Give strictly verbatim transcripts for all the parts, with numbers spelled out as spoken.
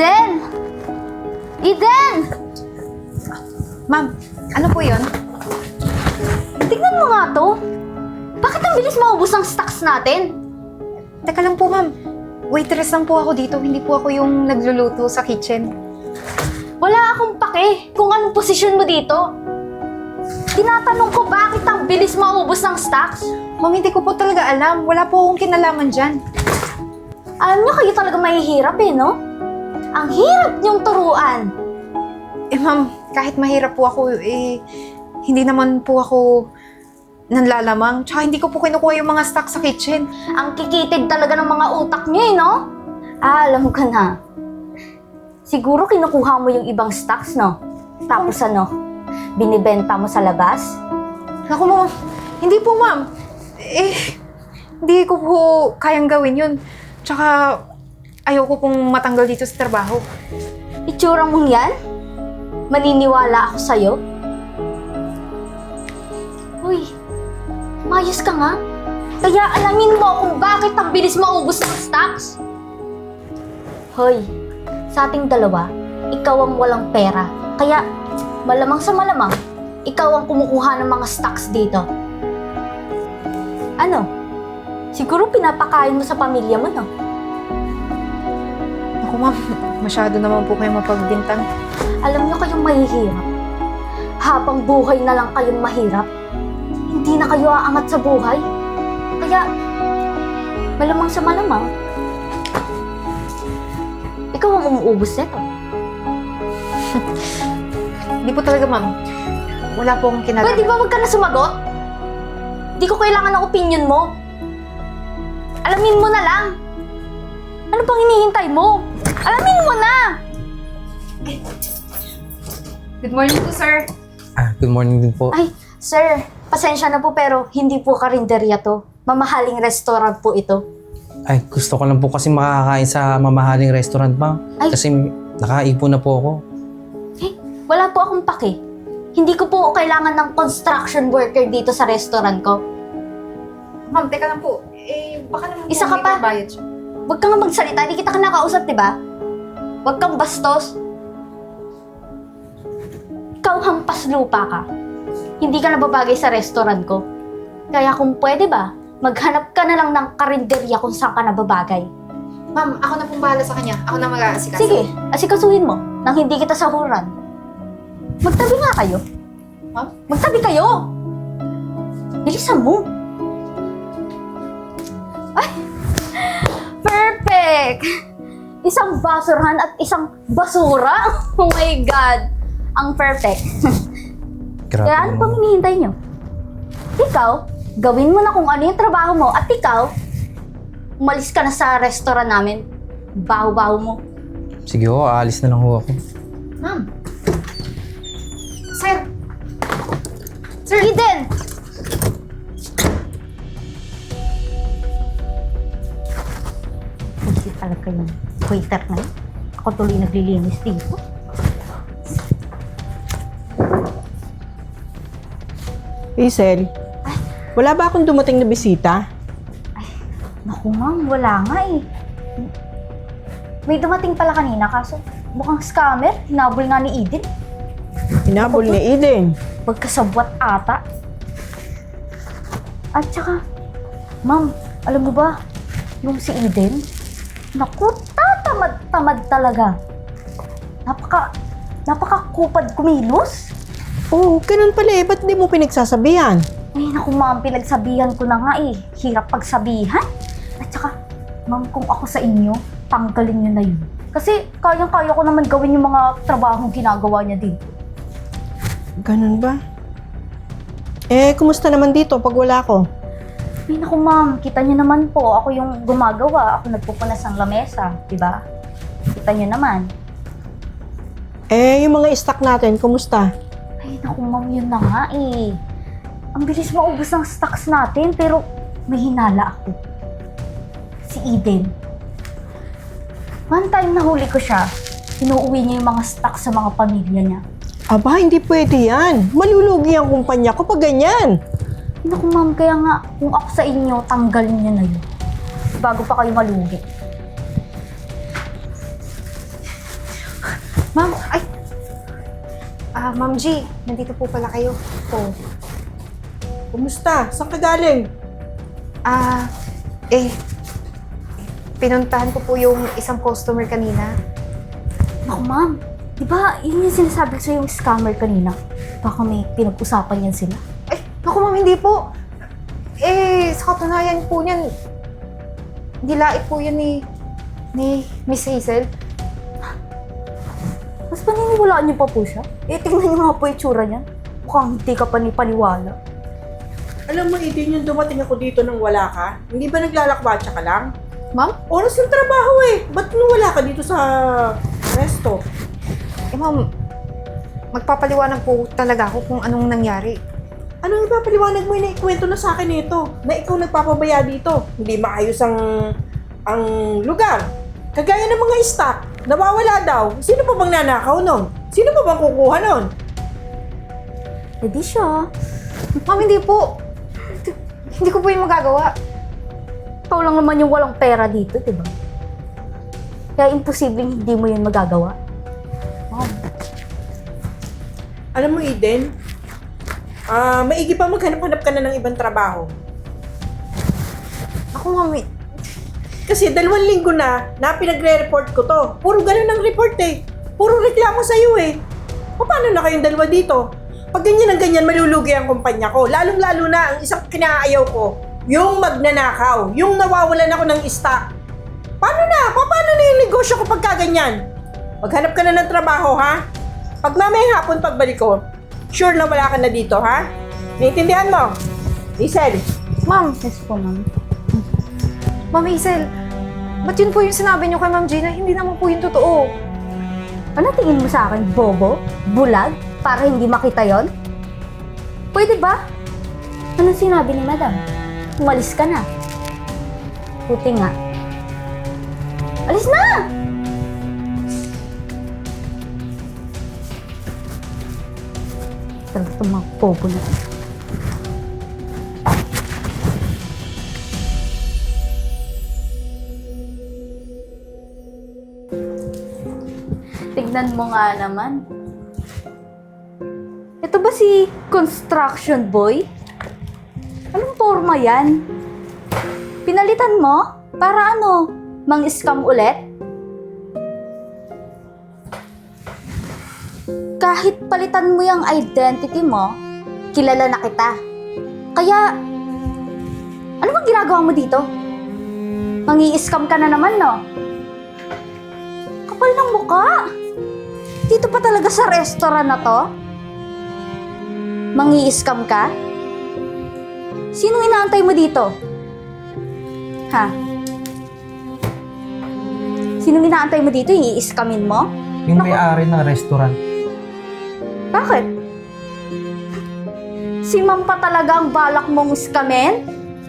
Eden! Eden! Ma'am, ano po yun? Tignan mo nga to. Bakit ang bilis maubos ng stocks natin? Teka lang po, ma'am. Waitress lang po ako dito. Hindi po ako yung nagluluto sa kitchen. Wala akong pake kung anong posisyon mo dito. Tinatanong ko bakit ang bilis maubos ng stocks? Ma'am, hindi ko po talaga alam. Wala po akong kinalaman dyan. Alam nyo, kayo talaga mahihirap eh, no? Ang hirap niyong turuan. Eh, ma'am, kahit mahirap po ako, eh, hindi naman po ako nanlalamang. Tsaka hindi ko po kinukuha yung mga stock sa kitchen. Ang kikitid talaga ng mga utak niyo eh, no? Ah, alam ko na. Siguro kinukuha mo yung ibang stocks, no? Tapos ano, binibenta mo sa labas? Naku, ma'am. Hindi po, ma'am. Eh, hindi ko po kayang gawin yun. Tsaka, ayoko pong matanggal dito sa trabaho. Itsura mong yan? Maniniwala ako sa'yo? Uy, mayos ka nga. Kaya alamin mo kung bakit ang bilis maubos ng stocks. Hoy, sa ating dalawa, ikaw ang walang pera. Kaya, malamang sa malamang, ikaw ang kumukuha ng mga stocks dito. Ano? Siguro pinapakain mo sa pamilya mo, no? Naku, ma'am. Masyado naman po kayo mapagbintang. Alam niyo kayong mahihirap. Habang buhay na lang kayong mahirap, hindi na kayo aangat sa buhay. Kaya, malamang sa malamang, ikaw ang umuubos nito. Hindi po talaga, ma'am. Wala po akong kinalaman. Pwede ba wag ka na sumagot? Di ko kailangan ng opinion mo. Alamin mo na lang. Ano pang hinihintay mo? Alamin mo na! Good morning po, sir. Ah, good morning din po. Ay, sir, pasensya na po pero hindi po karinderya to. Mamahaling restaurant po ito. Ay, gusto ko lang po kasi makakain sa mamahaling restaurant, ma'am. Ay. Kasi nakaipon na po ako. Eh, wala po akong pake. Hindi ko po kailangan ng construction worker dito sa restaurant ko. Ma'am, teka lang po. Eh, baka naman Isa po ka may pa. pambayad siya. Huwag kang magsalita, hindi kita ka nakausap, di ba? Huwag kang bastos. Ikaw hampas lupa ka. Hindi ka nababagay sa restaurant ko. Kaya kung pwede ba, maghanap ka na lang ng karinderya kung saan ka nababagay. Ma'am, ako na pong bahala sa kanya. Ako na mag-aasikaso. Sige, asikasuhin mo nang hindi kita sahuran. Magtabi nga kayo. Ma'am? Magtabi kayo! Bilisan mo. Ay! Perfect! Isang basurahan at isang basura? Oh my God! Ang perfect. Grabe Kaya ano naman. pang hinihintay nyo? Ikaw, gawin mo na kung ano yung trabaho mo at ikaw, umalis ka na sa restaurant namin. Baho-baho mo. Sige ho, aalis na lang ho ako. Ma'am. Sir. Sir Eden! Hindi talaga yung waiter na yun. Ako tuloy naglilinis dito. Hazel, wala ba akong dumating na bisita? Naku ma'am, wala nga eh. May dumating pala kanina kaso mukhang scammer. Hinabol nga ni Eden. Hinabol ni Eden. Pagkasabwat ata. At saka, ma'am, alam mo ba, yung si Eden, naku, tatamad-tamad talaga. Napaka, napaka-kupad kumilos. Oo, ganun pala eh. Ba't di mo pinagsasabihan? Ay, naku ma'am, pinagsabihan ko na nga eh. Hirap pagsabihan. At saka, ma'am, kung ako sa inyo, tanggalin niyo na yun. Kasi kayang-kaya ko naman gawin yung mga trabahong ginagawa niya dito. Ganun ba? Eh, kumusta naman dito pag wala ko? Ay, naku ma'am, kita niyo naman po, ako yung gumagawa. Ako nagpupunas ng lamesa, di ba? Kita niyo naman. Eh, yung mga stock natin, kumusta? Ay, naku ma'am, yun na nga eh. Ang bilis maubos ng stocks natin, pero may hinala ako. Si Eden. One time nahuli ko siya, inuuwi niya yung mga stocks sa mga pamilya niya. Aba, hindi pwede yan. Malulugi ang kumpanya ko pag ganyan. Naku ma'am, kaya nga, kung ako sa inyo, tanggalin niyo na yun. Bago pa kayo malugi. Ma'am, ay! Ah, Ma'am G, nandito po pala kayo. Oh. Kumusta? Saan ka galing? Ah, eh, pinuntahan ko po yung isang customer kanina. Naku ma'am, di ba yun yung sinasabi ko sa yung scammer kanina? Baka may pinag-usapan yan sila. Ay, naku ma'am, hindi po. Eh, sa katunayan po niyan, nilait po yun ni, ni Miss Hazel. Mas paniniwalaan niyo pa po siya? Eh, tingnan niyo nga po yung tsura niya. Mukhang hindi ka pa ni paniwala. Alam mo, Eden, yung dumating ako dito nang wala ka, hindi ba naglalakbatsa ka lang? Ma'am? Oras ng trabaho eh. Ba't nung wala ka dito sa resto? Eh, ma'am, magpapaliwanag po talaga ako kung anong nangyari. Anong ipapaliwanag mo na ikwento na sa akin nito? Na ikaw nagpapabaya dito. Hindi maayos ang, ang lugar. Kagaya ng mga stock, nawawala daw. Sino pa bang nanakaw nun? Sino pa bang kukuha nun? Eh di siya. Ma'am, hindi po. Hindi, hindi ko po yung magagawa. Ikaw lang naman yung walang pera dito, di ba? Kaya imposibleng hindi mo yun magagawa. Ma'am, Alam mo, Eden, ah maigi pa maghanap-hanap ka na ng ibang trabaho. ako ma'am, eh, Kasi dalawang linggo na na pinagre-report ko to. Puro ganun ang report eh. Puro reklamo sa'yo eh. O paano na kayong dalawa dito? Pag ganyan ang ganyan, malulugi ang kumpanya ko. Lalong-lalo na ang isang kinaayaw ko, yung magnanakaw, yung nawawalan ako ng stock. Paano na? Pa- Paano na yung negosyo ko pagka ganyan? Maghanap ka na ng trabaho, ha? Pag mamayang hapon pagbalik ko, sure na wala ka na dito, ha? Naiintindihan mo? Hazel, ma'am, Yes po, ma'am. Ma'am Hazel, ba't yun po yung sinabi niyo kay Ma'am Gina? Hindi naman po yung totoo. Ano tingin mo sa akin? Bobo? Bulag? Para hindi makita yon? Pwede ba? Anong sinabi ni madam? Umalis ka na. Puti nga. Alis na! Talaga itong mga bobo na. Tignan mo nga naman. Ito ba si construction boy? Anong forma yan? Pinalitan mo? Para ano? Mang-scam ulit? Kahit palitan mo yung identity mo, kilala na kita. Kaya, ano bang ginagawa mo dito? Mangi-scam ka na naman, no? Kapal ng mukha! Dito pa talaga sa restaurant na to? Mangi-scam ka? Sinong inaantay mo dito? Ha? Sinong inaantay mo dito? I-scamin mo? Yung may-ari ng restaurant. Bakit? Si ma'am pa talaga ang balak mong scamin?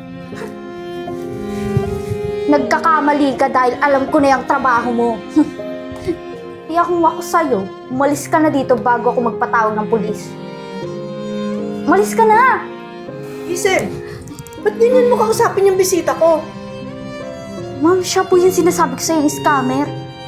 Nagkakamali ka dahil alam ko na yung trabaho mo. Kaya kung ako sa'yo, umalis ka na dito bago ako magpatawag ng pulis. Umalis ka na! Hazel, ba't ganyan mo kausapin yung bisita ko? Ma'am, siya po yung sinasabi ko sa'yo, yung scammer.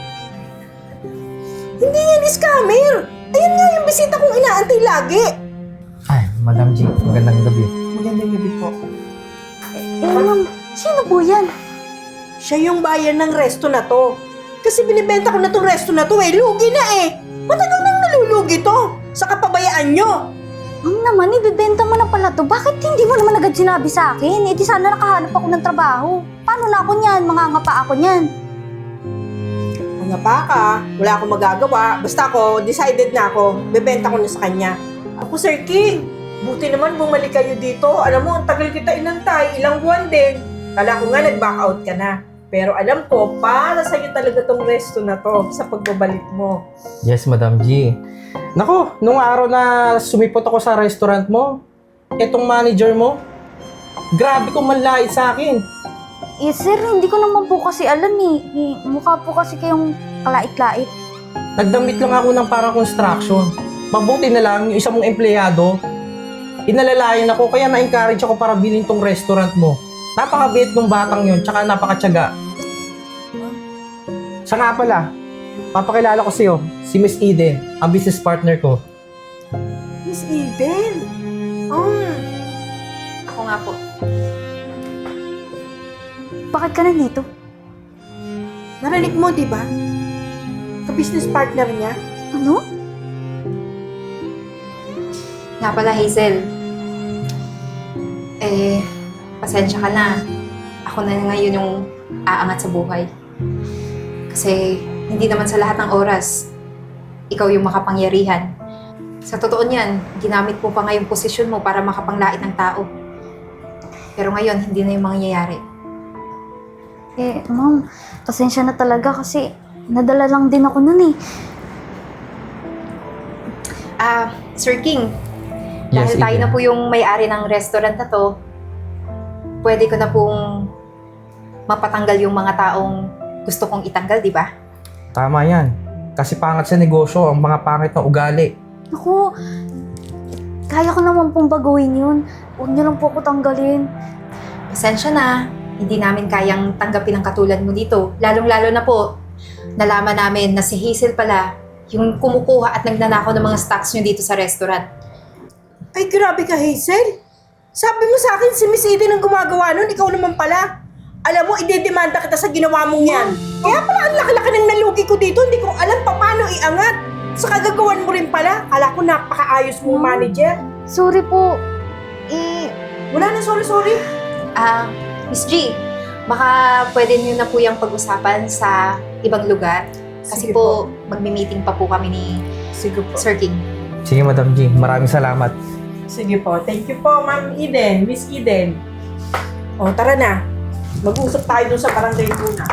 Hindi yan scammer! Ayan nga yung bisita kong inaantay lagi! Ay, Madam G, magandang gabi. Magandang gabi po. Eh, ma'am, sino po yan? Siya yung buyer ng resto na to. Kasi binibenta ko na tong resto na to eh. Lugi na eh. Matagal nang nalulugi to. Sa kapabayaan nyo. Ma'am naman, ibibenta mo na pala to. Bakit hindi mo naman agad sinabi sa akin? Eh di sana nakahanap ako ng trabaho. Paano na ako niyan? Mangangapa ako niyan. Mga baka, wala akong magagawa. Basta ako, decided na ako. Bebenta ko na sa kanya. Ako, Sir King. Buti naman bumalik kayo dito. Alam mo, ang tagal kita inantay. Ilang buwan din. Kala ko nga nag-back out ka na. Pero alam ko, para sa'yo talaga tong resto na to sa pagbabalik mo. Yes, Madam G. Nako, nung araw na sumipot ako sa restaurant mo, etong manager mo, grabe kong manlait sa akin. Eh sir, hindi ko naman po kasi alam eh. eh mukha po kasi kayong kalait-lait. Nagdamit lang ako ng parang construction. Mabuti na lang yung isang mong empleyado, inalalayan ako kaya na-encourage ako para bilhin tong restaurant mo. Napakabait ng batang yon, tsaka napakatyaga. Siya nga pala, papakilala ko sa'yo, si Miss Eden, ang business partner ko. Miss Eden. Oh. Ako nga po. Bakit ka nandito? Narinig mo, di ba? Ka-business partner niya. Ano? Nga pala, Hazel. Eh, pasensya ka na. Ako na ngayon yung aangat sa buhay. Kasi hindi naman sa lahat ng oras, ikaw yung makapangyarihan. Sa totoo niyan, ginamit mo pa nga yung posisyon mo para makapanglait ng tao. Pero ngayon, hindi na yung mangyayari. Eh, ma'am, pasensya na talaga kasi nadala lang din ako nun eh. Ah, Sir King, Yes, dahil tayo Eden. na po yung may-ari ng restaurant na to, pwede ko na pong mapatanggal yung mga taong gusto kong itanggal, di ba? Tama yan. Kasi pangat sa negosyo ang mga pangit na ugali. Naku, kaya ko naman pong baguhin yun. Huwag niyo lang po ako tanggalin. Pasensya na, hindi namin kayang tanggapin ang katulad mo dito. Lalong-lalo na po, nalaman namin na si Hazel pala yung kumukuha at nagnanakaw ng mga stocks nyo dito sa restaurant. Ay, grabe ka, Hazel. Sabi mo sa akin, si Miss Eden ang gumagawa nun, ikaw naman pala. Alam mo, idedemanda kita sa ginawa mong yan. Kaya pala ang laki-laki ng nalugi ko dito, hindi ko alam pa paano iangat. Sa kagagawan mo rin pala, kala ko napakaayos mong manager. Sorry po. Eh, Wala na, sorry, sorry. Ah, Miss G, baka pwede niyo na po yung pag-usapan sa ibang lugar. Kasi Sige po, magmi-meeting pa po kami ni Sige po. Sir King. Sige, Madam G. Maraming salamat. Sige po. Thank you po, Ma'am Eden, Miss Eden. O, tara na. Mag-usap tayo dun sa barangay muna.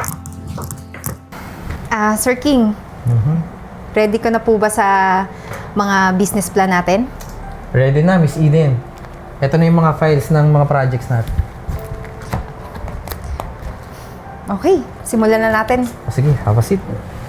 Ah, Sir King, Mhm. ready ka na po ba sa mga business plan natin? Ready na, Miss Eden. Ito na yung mga files ng mga projects natin. Okay, simulan na natin. Sige, have a seat.